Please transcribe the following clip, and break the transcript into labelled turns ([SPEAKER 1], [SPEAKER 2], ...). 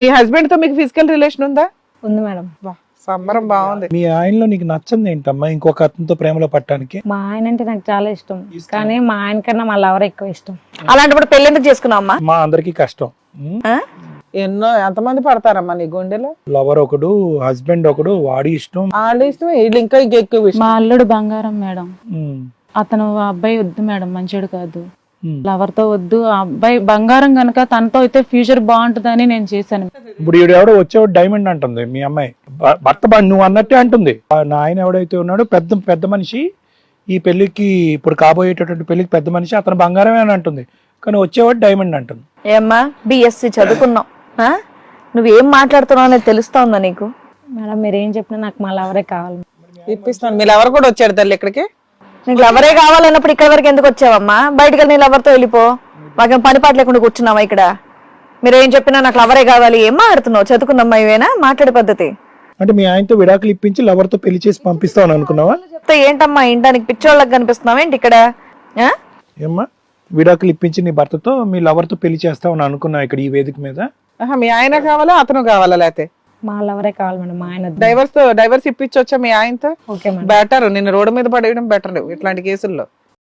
[SPEAKER 1] మీ husband తో మీకు physical relation ఉందా?
[SPEAKER 2] ఉంది మేడం.
[SPEAKER 1] వా, సంబరం బాగుంది.
[SPEAKER 3] మీ ఆయనలో నీకు నచ్చంది ఏంటమ్మా ఇంకొక అతనితో ప్రేమలో పట్టడానికి?
[SPEAKER 2] మా ఆయన అంటే నాకు చాలా ఇష్టం, కానీ మా ఆయన కన్నా మా లవర్ ఎక్కువ ఇష్టం.
[SPEAKER 4] అలాంటప్పుడు పెళ్లి ఎందుకు చేసుకున్నావు అమ్మా?
[SPEAKER 3] మా అందరికి కష్టం.
[SPEAKER 1] ఎంతమంది పడతారమ్మా నీ గుండెలో?
[SPEAKER 3] లవర్ ఒకడు, హస్బెండ్ ఒకడు, వాడి ఇష్టం.
[SPEAKER 1] వాళ్ళ ఇష్టం, వీళ్ళు ఇంకా ఎక్కువ ఇష్టం.
[SPEAKER 5] మా అల్లుడు బంగారం మేడం.
[SPEAKER 3] ఉమ్,
[SPEAKER 5] అతను ఆ అబ్బాయి వద్దు మేడం, మంచోడు కాదు,
[SPEAKER 3] ఉమ్.
[SPEAKER 5] లవర్ తో వద్దు. ఆ అబ్బాయి బంగారం గనక తనతో అయితే ఫ్యూచర్ బాగుంటుందని నేను చేశాను.
[SPEAKER 3] ఇప్పుడు ఈడు ఎవడో వచ్చేవాడు డైమండ్ అంటుంది మీ అమ్మాయి. భర్త నువ్వు అన్నట్టే అంటుంది. నా ఆయన ఎవడైతే ఉన్నాడో పెద్ద పెద్ద మనిషి, ఈ పెళ్లికి ఇప్పుడు కాబోయేటటువంటి పెళ్లికి పెద్ద మనిషి, అతను బంగారమే అని అంటుంది, కానీ వచ్చేవాడు డైమండ్ అంటుంది.
[SPEAKER 4] ఏమ్మా బిఎస్సి చదువుకున్నావు, నువ్వేం మాట్లాడుతున్నావు అనేది తెలుస్తా ఉందా నీకు?
[SPEAKER 2] మేడం మీరు ఏం చెప్పినా నాకు మా లవరే కావాలి.
[SPEAKER 1] ఇప్పిస్తాను. మీరు ఎవరు కూడా వచ్చాడు తల్లి ఇక్కడికి?
[SPEAKER 4] నీకు లవరే కావాలన్నప్పుడు ఇక్కడ వరకు ఎందుకు వచ్చావమ్మా? బయటకు వెళ్ళి నీ లవర్తో వెళ్ళిపో. మాకేం పని పాట లేకుండా కూర్చున్నావా ఇక్కడ? మీరు ఏం చెప్పినా నాకు లవరే కావాలి. ఏం మాట్లాడుతున్నావు? చదువుకుందమ్మా ఇవేనా మాట్లాడే పద్ధతి?
[SPEAKER 3] అంటే మీ ఆయనతో విడాకులు ఇప్పించి లవర్ తో పెళ్లి చేసి పంపిస్తావు అనుకున్నావా?
[SPEAKER 4] చెప్తే ఏంటమ్మా ఇంటానికి పిచ్చోళ్ళకి కనిపిస్తున్నావు ఏంటి ఇక్కడ?
[SPEAKER 3] ఏమ్మా విడాకులు ఇప్పించి నీ భర్తతో మీ లవర్ తో పెళ్లి చేస్తావు అనుకున్నావు ఇక్కడ ఈ వేదిక మీద?
[SPEAKER 1] మీ ఆయన కావాలా అతను కావాలా? లేకపోతే
[SPEAKER 2] మా లవరే కావాలి మేడం, మా ఆయన వద్దు.
[SPEAKER 1] డైవర్స్ ఇప్పించొచ్చా మీ ఆయనతో?
[SPEAKER 2] Okay madam.
[SPEAKER 1] బెటర్. నిన్ను రోడ్డు మీద పడేయడం బెటర్ ఇట్లాంటి కేసుల్లో.